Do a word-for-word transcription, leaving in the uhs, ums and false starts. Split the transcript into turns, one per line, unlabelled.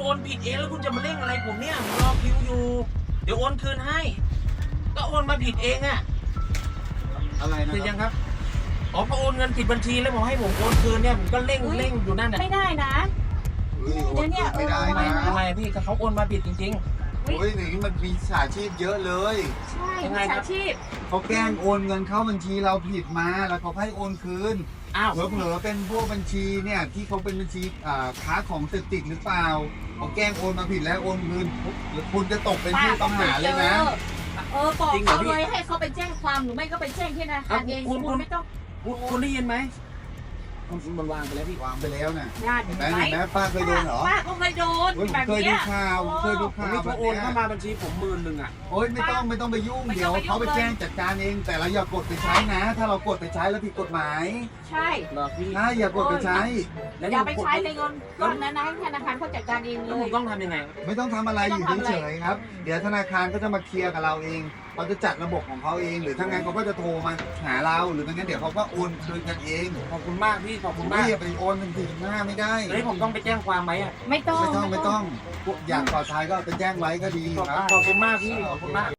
โอนผิดเองแล้วคุณจะมาเร่งอะไรผมเนี่ยผมรอคิวอยู่เดี๋ยวโอนคืนให้ก็โอนมาผิดเองอะ
อะไรนะ
คือยังครับอ๋อพอโอนเงินผิดบัญชีแล้วบอกให้ผมโอนคืนเนี่ยผมก็เร่งเร่งอยู่นั่นน่ะ
ไม่ได้นะ
เฮ้ยโอนคืนไม่ได้นะ
ทำไมพี่ก็เขาโอนมาผิดจริง
โอ้ยอย่างนี้มันมีสาชีพเยอะเลย
ใช่
ยังไง
มิจ
ครั
ฉา
บ
ชีพ
เขาแกล้งโอนเงินเข้าบัญชีเราผิดมาแล้วเขาให้โอนคืน
ๆอ้าว
เผลอๆเป็นพวกบัญชีเนี่ยที่เขาเป็นบัญชีอ่าค้าของเสพติดหรือเปล่าเขาแกล้งโอนมาผิดแล้วโอนคืนหรือคุณจะตกเป็นผู้ต้องหาเลยนะ
เออบอกเขาเลยให้เขาไปแจ้งความหรือไม่ก็ไปแจ้งที่ธนาคารเองคุณไม่ต้อง
คุณคุณได้ยินไหมมันวางไปแล้วพี่
วางไปแล้วน่ะ
ญาติ
เห็น
ไห
ไหม
ม
เห็นไหมป้าเคยโดนเหรอ
ป้าก็เคยโดน
โอ้ยผม
แบบ
เคยดู
เนี้ย
ข่าวผมเคยดู
ผม
ข่าว
นี่
แบ
เขา
บ
โอน
เนี้ย
เข้ามาบัญชีผมหมื่นหนึ่งอ่ะ
โอ้ยไม่ต้องไม่ต้องไปยุ่งเดี๋ยวเขาไปแจ้งจัดการเอง แต่เราอย่ากดไปใช้นะ ถ้าเรากดไปใช้แล้วผิดกฎหมาย
ใช่
เหรอพี่
นะอย่ากดไปใช้
แล้ว
อย่าไป
ผม
ใช้เลยเงินก้อนนั้นนะให้ธนาคารเขาจัดการเองเล
แล้วผ
ย
มต้องทำยังไง
ไม่ต้องทำอะไรอยู่เฉยๆครับ เดี๋ยวธนาคารก็จะมาเคลียร์กับเราเองเขาจะจัดระบบของเขาเอง หรือถ้างั้นเขาก็จะโทรมาหาเราหรือไม่งั้นเดี๋ยวเขาก็โอนคืนกันเอง
ขอบคุณมากพี่ขอบคุณ
ไม่
มาก
อย่าไปโอนเป็นสี่หน้าไม่ได้
เฮ้ยผมต้องไปแจ้งความไหมอ่ะ
ไม่ต้อง
ไม่ต้องไม่ต้องอยากปลอดภัยก็ไปแจ้งไว้ก็ดี
ขอบ
ครับ
ขอบคุณมากพี่ขอบคุณมาก